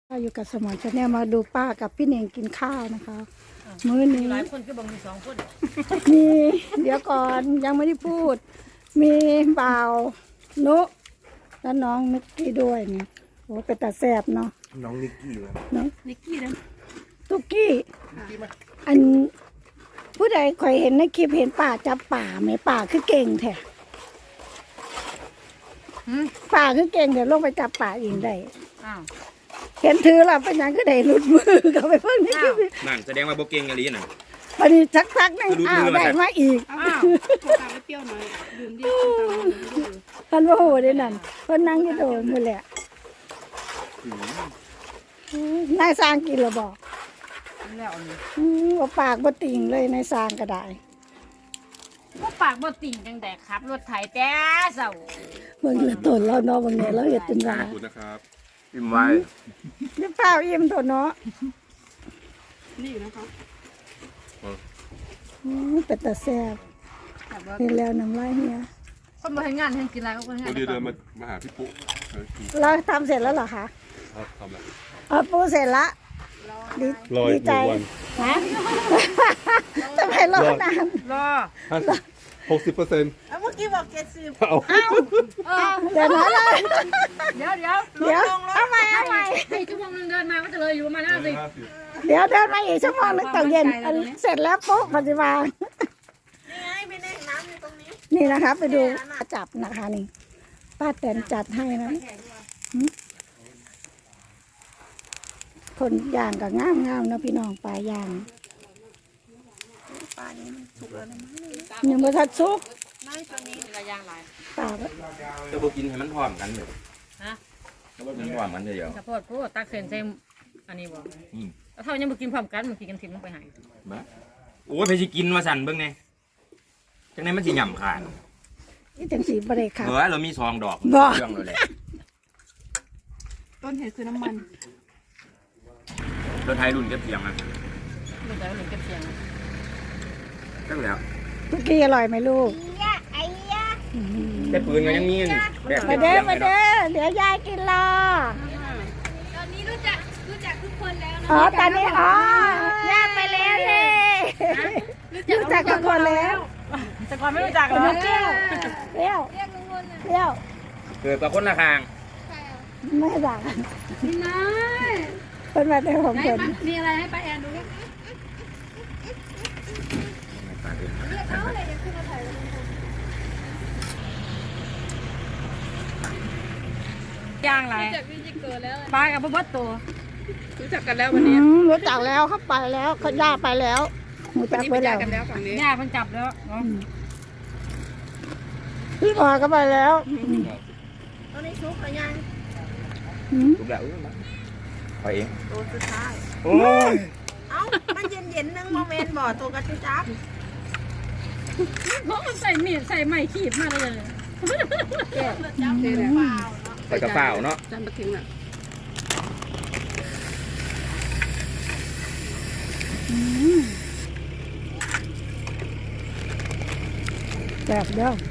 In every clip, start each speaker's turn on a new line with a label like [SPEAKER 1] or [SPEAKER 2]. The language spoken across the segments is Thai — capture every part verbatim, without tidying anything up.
[SPEAKER 1] อยู่กับสมอนชาแนลมาดูป้ากับพี่เน่งกินข้าวนะคะมื้อนี้
[SPEAKER 2] หลายคนก็บอกมีสองคน
[SPEAKER 1] มีเดี๋ยวก่อนยังไม่ได้พูด มีบ่าวนุและน้องนิกกี้ด้วยเนี่ยโอ้เป็นตาแสบเนาะ
[SPEAKER 3] น้องนิกกี้นะ
[SPEAKER 1] น้อง
[SPEAKER 2] นิกกี้นะ
[SPEAKER 1] ตุกกี้อันผู้ใดเคยเห็นในคลิปเห็นป่าจับป่าไหมป่าคือเก่งแท้ป่าคือเก่งเดี๋ยวลงไปจับป่าเองได้
[SPEAKER 2] อ้าว
[SPEAKER 1] เห็นถือแล้วเป็นหยังก็ได้หลุดมือเขาไปเพิ่งนี่
[SPEAKER 3] นั่นแสดงว่าโบเก่งอะไรน่ะ
[SPEAKER 1] วันนี้สักพักนึงอ้าวได้มาอีก
[SPEAKER 2] อ้าว
[SPEAKER 4] ตาไม่เปรี้ยวหน่อยดื่มดิ
[SPEAKER 1] ท่านว่าโหได้นั่นเพิ่นนั่งอยู่โดนมือแหละนายสร้างกินหรือบอก
[SPEAKER 2] แล้วนี่
[SPEAKER 1] อืมว่าปากบ่ติ่งเลยนายสร้างก็ได้
[SPEAKER 2] ก็ปากบ่ติ่งจังแต่ขับรถไถแต่เศร้า
[SPEAKER 1] เบิ่งละตนเราเนาะเบิ่งเนี่ยเราเฮ็ดจนว่า
[SPEAKER 3] ขอบคุณนะครับอิ่มไว้
[SPEAKER 1] นี่เปล่าอิ่มโตเนาะ
[SPEAKER 4] นี่นะคะ
[SPEAKER 1] อืมเป็นตาแซ่บนี่แล้วน้ำลายเฮีย
[SPEAKER 2] คนมาทำงานให้กินอะไรก็คนงาน
[SPEAKER 3] วันนี้เดินมามาหาพี่ปุ๊
[SPEAKER 1] เราทำเสร็จแล้วเหรอคะ
[SPEAKER 3] ครับทำแล้ว
[SPEAKER 1] อ๋อปูเสร็จละดีดีใจฮะทำไมรอนาน
[SPEAKER 2] รอ
[SPEAKER 3] ห้าสิบหกสิบเปอร์เซ็นต์
[SPEAKER 4] เมื่อกี้บอกเจ็ดสิบ
[SPEAKER 3] เอา
[SPEAKER 2] เออ
[SPEAKER 1] เดี๋ยวนะเลย
[SPEAKER 2] เดี๋ยวเดี๋ยว
[SPEAKER 1] เดี๋ยวเอาใหม่เอาใหม่
[SPEAKER 2] ให้ชั่วโมงนึงเดินมาก็จะเลยอยู่ประมาณห้าสิบ
[SPEAKER 3] ห้าสิบ
[SPEAKER 1] เดี๋ยวเดินมาอีกชั่วโมงนึงตอนเย็นอันเสร็จแล้วปุ๊บปฏิบัติ
[SPEAKER 4] นี่ไงไม่ได้น้ำอยู่ตรงนี้
[SPEAKER 1] นี่นะคะไปดูจับนะคะนี่ป้าแตนจัดให้นะคนย่างกับงามงามๆนะพี่น้องปลาย่าง
[SPEAKER 4] ปลานี้มันสุกแล้วนะ
[SPEAKER 1] ยังไม่ทัดซุก
[SPEAKER 4] ไม่ตัวนี้
[SPEAKER 2] ระยางหลาย
[SPEAKER 1] ปลา
[SPEAKER 3] จะโบกินให้มันพร้อมกันเลย
[SPEAKER 2] ฮะ
[SPEAKER 3] จะโบกินพร้อมกันเดียว
[SPEAKER 2] กระโพดพูดตักเส้นใส่อันนี้บ่
[SPEAKER 3] อืม
[SPEAKER 2] เท่ายังบ่กินพร้อมกันมันกินกันทิ้งลงไปให้
[SPEAKER 3] บ้าโอ้ยไปสิกินมาสั่นเบิ่งไงจังไดมันสิหย่ำขาด
[SPEAKER 1] นี่จังสีบริครับ
[SPEAKER 3] เออเรามีซองดอก
[SPEAKER 1] บ่
[SPEAKER 3] เครื่องเลยแหละ
[SPEAKER 4] ต้นเหตุคือน้ำมัน
[SPEAKER 3] รถไทยรุ่นเก็บเสียงมัน
[SPEAKER 2] ลูกแล้วหนึ่งเก็บเสียง
[SPEAKER 3] จังแล้ว
[SPEAKER 1] ทุกี้อร่อยไหมลูก
[SPEAKER 3] แต่ปืนก็ยังมีอยู่นี่แบบ
[SPEAKER 1] มา
[SPEAKER 3] เก็บ
[SPEAKER 1] เด้
[SPEAKER 3] เสี
[SPEAKER 1] อย
[SPEAKER 3] ง
[SPEAKER 1] มา
[SPEAKER 3] เลยเนาะ
[SPEAKER 1] เด้อเดี๋ยวยายกินรอ
[SPEAKER 4] ตอนนี้รู้จักรู้จักทุกคนแล้วนะ
[SPEAKER 1] อ๋อตอนนี้อ๋อย่าไปแล้วเลยรู้จักทุกคนแล้ว
[SPEAKER 2] แต่ก่อนไม่รู้จักเหรอ
[SPEAKER 1] เปรี้ยวเปรี้ยวเปรี้ยว
[SPEAKER 3] เกิดกับคนละคาง
[SPEAKER 1] ไม่ด่า
[SPEAKER 4] พี่น้อย
[SPEAKER 1] เป็นมาแต่ของ
[SPEAKER 4] ไหน
[SPEAKER 1] คน
[SPEAKER 4] มันมีอะไรให้ป้าแอนดูดิ
[SPEAKER 2] ย่างไร
[SPEAKER 4] รู้จักพี่จิเกิดแล้ว
[SPEAKER 2] ปลากับบัดตัว
[SPEAKER 4] รู้จักกันแล้ว
[SPEAKER 1] อื
[SPEAKER 4] วันนี้
[SPEAKER 1] มรู้จักแล้วเขาไปแล้วเขาย่าไปแล้วรู้
[SPEAKER 4] วัน
[SPEAKER 1] จัก
[SPEAKER 4] นี้
[SPEAKER 1] ไป
[SPEAKER 4] ไป
[SPEAKER 1] แล้
[SPEAKER 4] เจอ
[SPEAKER 1] ว
[SPEAKER 4] กันแล้วฝั่งนี้
[SPEAKER 2] ย่าเพิ่งจับแล้วเนาะ
[SPEAKER 1] พี่พอก็ไปแล้ว
[SPEAKER 4] ตอนนี้ซุกหรือยัง
[SPEAKER 1] อืม
[SPEAKER 3] ถูกแล้วไปเอง
[SPEAKER 4] ตัวสุดท้าย
[SPEAKER 3] โอ้ย
[SPEAKER 4] เอ้ามันเย็นเย็นๆนึงโมเมนต์บ่อตัวกระจุจับ
[SPEAKER 2] เพราะมันใส่มีดใส่ไม้ขีดมาเลย
[SPEAKER 4] จับเลยเปล่าเนาะ
[SPEAKER 3] ไปกระเป๋าเนาะ
[SPEAKER 4] จำปะทิ้งอ่ะ
[SPEAKER 1] แบบเดียว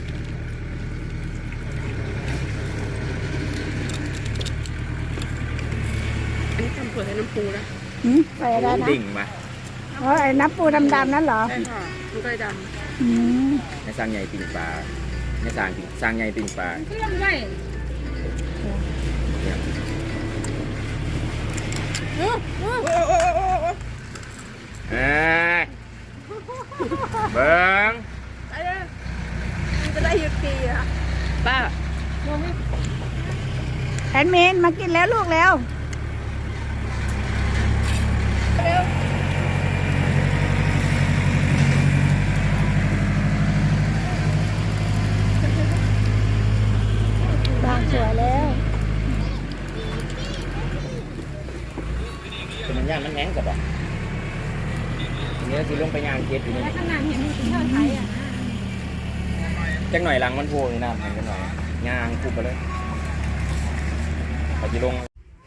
[SPEAKER 4] อันนี้ทำเผื่อให้น้ำปูนะ
[SPEAKER 1] อืมไปได้นะ
[SPEAKER 3] ดิ่งมา
[SPEAKER 1] เพราะไอ้น้ำปูดำๆนั่นเหรอ
[SPEAKER 4] ใช่ค่ะมันก็เลยด
[SPEAKER 1] อืม
[SPEAKER 3] ในสร้างใหญ่ปิ่งปลาในสร้างปิ่งสร้างใหญ่ปิ่งปลา
[SPEAKER 2] เครื่องไว้
[SPEAKER 3] เอ้ยเบิ้ง
[SPEAKER 4] ำจะได้หยุดปีอ่ะป้า
[SPEAKER 1] แอนเมนมากินแล้วลูกแล้วบ้านสวยแล้ว
[SPEAKER 3] เป็นมันย่างมันแห้งกับบ่ทีนี้คือลงไปย่างเก็บอยู่นี่
[SPEAKER 2] แล้วขนาดเห็นมันเป็นเท่าไทยอ่ะ
[SPEAKER 3] จักหน่อยหลังมันโผล่ในน้ำจักหน่อยย่างคุบไปเลยพอจีลง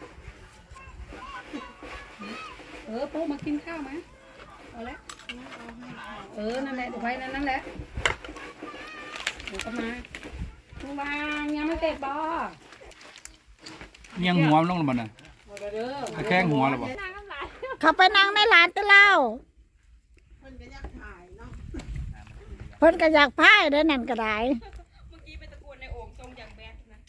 [SPEAKER 4] เออปูมากินข้าวไหมเอาละเออนั่นแหละเดี๋ยวไว้นั่นนั่นแหละเดี๋ยวก็มาปูวางยังไม่เสร็จบ่
[SPEAKER 5] ยังหัวมันลงแล้วมันน่ะ
[SPEAKER 4] หมดแล้แล้วเด้อ
[SPEAKER 3] แข้งหัวหรอบ่
[SPEAKER 2] นางน้ำลาย
[SPEAKER 1] เขาไปนั่งในร้านตะเล่าเพิ่นก็อยากถ่ายเนาะเพิ่นก็อยากพายได้นั่นก็ได้
[SPEAKER 2] เมื่อกี้ไปตะโกนในโอ่งทรงอย่างแบดนะ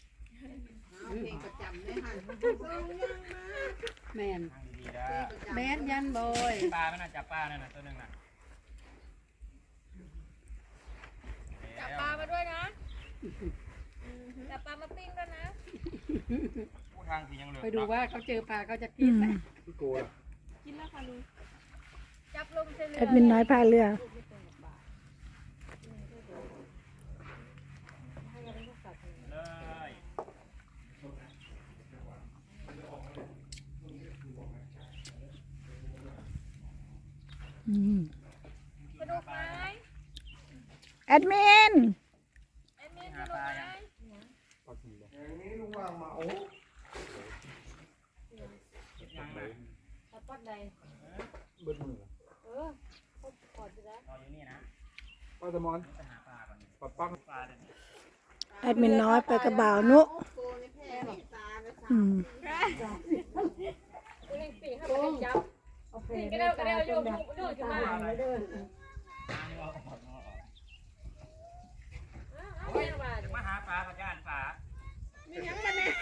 [SPEAKER 4] แมนแบดยันบอย
[SPEAKER 3] ปลาไม่น่าจับปลานั่นน่ะตัวนึงน่ะ
[SPEAKER 2] จับปลามาด้วยนะจับปลามาปิ้งด้วยนะ
[SPEAKER 3] ผู้ทางสิยังเหลือ
[SPEAKER 4] ไปดูว่าเขาเจอปลาเขาจะกินไหม
[SPEAKER 3] โกย
[SPEAKER 2] กินแล้วค่ะลุงจับลงเส้นเลื
[SPEAKER 1] แอดมินน้อยพายเรือ
[SPEAKER 3] เลย
[SPEAKER 1] อืม
[SPEAKER 2] กระดูกไม้
[SPEAKER 1] แอดมิน
[SPEAKER 2] ไอ้มีกระดูกไม้ตัดปักใด
[SPEAKER 3] เบิ้ลมือ
[SPEAKER 2] เออพบปอดไปแล้ว
[SPEAKER 3] รออยู่นี่นะ
[SPEAKER 5] ปลาสมอน
[SPEAKER 3] ไปหาปลาก่อน
[SPEAKER 5] ปลาปัง
[SPEAKER 3] ปลาเดี๋ยวนี้
[SPEAKER 1] แอดมินน้อยไปกระบ่าวนุอืม
[SPEAKER 2] กูเล่นปีให้มันจับปีก็ได้ก็ได้โยกโยกขึ้นมาเอาเอาเนี่ยมา
[SPEAKER 3] จะมาหาปลากับย่านปลา
[SPEAKER 2] มียังมันเนี่ย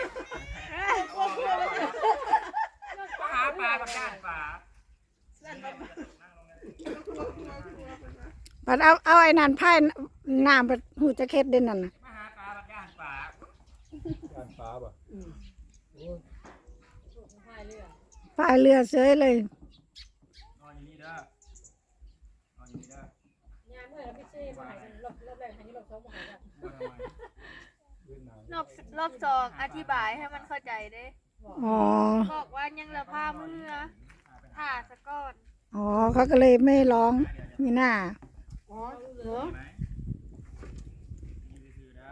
[SPEAKER 3] มาหาปลากับย่านปลา
[SPEAKER 1] ปัดเอาเอาไอ้นั่นพายน้ำไปหูจะเค็ดเด่นนั่นน่ะ
[SPEAKER 3] มาหาปลากับย่านปลา
[SPEAKER 5] ย่านปลาป่ะ
[SPEAKER 1] พายเรือเสยเลย
[SPEAKER 3] นอนอยู่นี่เด้อนอนอยู่นี่เด้อย
[SPEAKER 2] ามเมื่อพี่ซี่มาหายรอบรอบแรกหายรอบสองมาหายแล้ว
[SPEAKER 3] มาทำไม
[SPEAKER 5] เวียดนาม
[SPEAKER 6] รอบรอบสองอธิบายให้มันเข้าใจเด้
[SPEAKER 1] อ๋อ
[SPEAKER 6] บอกว่ายังเหลือผ้าเมื่อผ่าสะก้อน
[SPEAKER 1] อ๋อเขาก็เลยไม่ร้องมีหน้า
[SPEAKER 4] อ๋อเหรอ
[SPEAKER 3] ไหมนี่คือเด้อ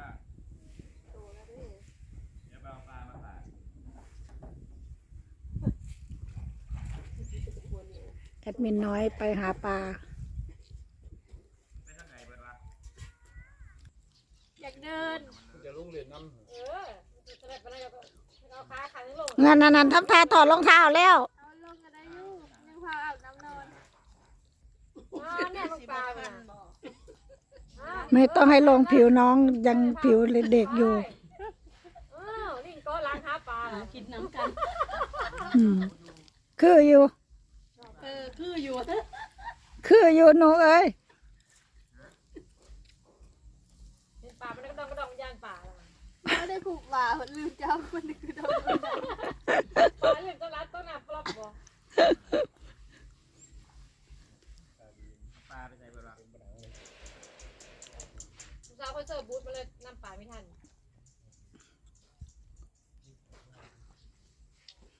[SPEAKER 3] เดี๋ยวไปเอาปลามาฝาก
[SPEAKER 1] แอดมินน้อยไปหาปลา
[SPEAKER 3] ไปทางไหนเบิดวะ
[SPEAKER 6] อยากเดิน
[SPEAKER 5] จะลุงเรียนน้
[SPEAKER 2] เออจะได้ไปแล้วก็เอาขาขันลง
[SPEAKER 1] นั่นนั่นนั่นทำท่าถอดรองเท้าแล้ว
[SPEAKER 6] เอาลงก็ได้อยู่ยังพาอาบน้ำนอน
[SPEAKER 2] อ่าเนี่ยลงปลาเนี่ย
[SPEAKER 1] ไม่ต้องให้ลงผิวน้องยังผิวเด็กอยู่
[SPEAKER 2] อ้าวนี่ก็ล้างหาปลา
[SPEAKER 4] กินน้ำกัน
[SPEAKER 1] อืมคืออยู่
[SPEAKER 4] เออคืออยู่
[SPEAKER 1] คืออยู่หนูเอ้ย
[SPEAKER 2] ปลามันก็ต้องกระดองย่างปลา
[SPEAKER 6] ไม่ได้ผูกบ่าลืมเจ้าคนนึงคือโดน
[SPEAKER 2] ปลาเรื่องต้นรัดต้นนับปลอบบ่
[SPEAKER 3] ปลาไปใส่เบิดวะ
[SPEAKER 2] สาวเขาเจอบูธมาเลยน้ำปลาไม่ทัน